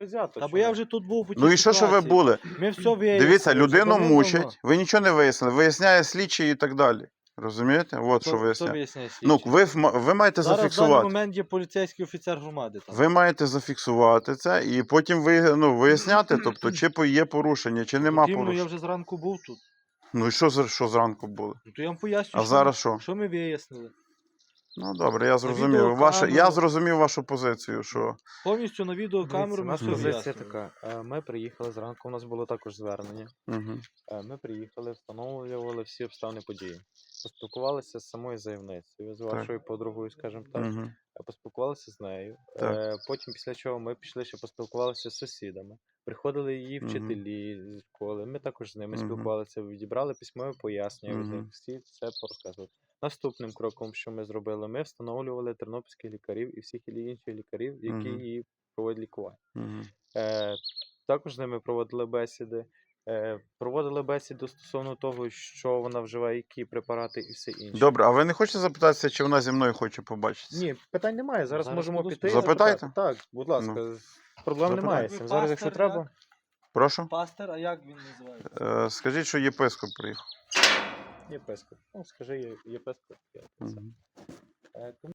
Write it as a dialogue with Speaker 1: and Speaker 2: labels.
Speaker 1: взято.
Speaker 2: Та бо я вже тут був по тій
Speaker 3: Ну і що ви
Speaker 2: ситуації.
Speaker 3: були?
Speaker 2: Ми все вияснили.
Speaker 3: Дивіться, людину
Speaker 2: давним-давно.
Speaker 3: мучать, ви нічого не вияснили, виясняє слідчий і так далі. Розумієте? От що
Speaker 2: Хто
Speaker 3: виясняє.
Speaker 2: виясняє
Speaker 3: Ну,
Speaker 2: слідчий?
Speaker 3: ви маєте
Speaker 2: Зараз в даний
Speaker 3: зафіксувати.
Speaker 2: момент є поліцейський офіцер громади. Там.
Speaker 3: Ви маєте зафіксувати це і потім виясняти, тобто, чи є порушення, чи нема
Speaker 2: Потрібно, я
Speaker 3: порушення.
Speaker 2: вже зранку був тут.
Speaker 3: Ну і що зранку було?
Speaker 2: Ну, то я вам поясню,
Speaker 3: А зараз що?
Speaker 2: що ми вияснили.
Speaker 3: Ну добре, я зрозумів.
Speaker 2: відеокамеру.
Speaker 3: Я зрозумів вашу позицію, що
Speaker 2: Повністю на відеокамеру
Speaker 1: Дивіться,
Speaker 2: ми
Speaker 1: наша
Speaker 2: все
Speaker 1: позиція
Speaker 2: вияснили.
Speaker 1: така. Ми приїхали зранку, у нас було також звернення.
Speaker 3: угу.
Speaker 1: Ми приїхали, встановлювали всі обставини події. Поспілкувалися з самою заявницею, з вашою подругою, скажімо так.
Speaker 3: Угу.
Speaker 1: Поспілкувалися з нею.
Speaker 3: Так.
Speaker 1: Потім, після чого ми пішли, ще поспілкувалися з сусідами. Приходили її
Speaker 3: Мгм.
Speaker 1: вчителі з школи. Ми також з ними
Speaker 3: Мгм.
Speaker 1: спілкувалися, відібрали письмове пояснення від них,
Speaker 3: Мгм.
Speaker 1: всі це порозказували. Наступним кроком, що ми зробили, ми встановлювали тернопільських лікарів і всіх інших лікарів, які
Speaker 3: Мгм.
Speaker 1: її проводять лікування.
Speaker 3: Угу.
Speaker 1: Також з ними проводили бесіди. Проводили бесіду стосовно того, що вона вживає, які препарати і все інше.
Speaker 3: Добре, а ви не хочете запитатися, чи вона зі мною хоче побачитися?
Speaker 1: Ні, питань немає. Зараз
Speaker 2: Зараз
Speaker 1: можемо
Speaker 2: буду
Speaker 1: піти. і
Speaker 3: Запитайте.
Speaker 1: запитати. Так, будь ласка, проблем
Speaker 3: Запитайте.
Speaker 1: немає.
Speaker 2: Ви
Speaker 1: Зараз, якщо
Speaker 2: пастор,
Speaker 1: треба.
Speaker 3: Прошу?
Speaker 2: Пастор, а як він називається?
Speaker 3: Скажіть, що єпископ приїхав.
Speaker 1: Єпископ. Ну, скажи, єпископ.
Speaker 3: Мгм.
Speaker 1: Тому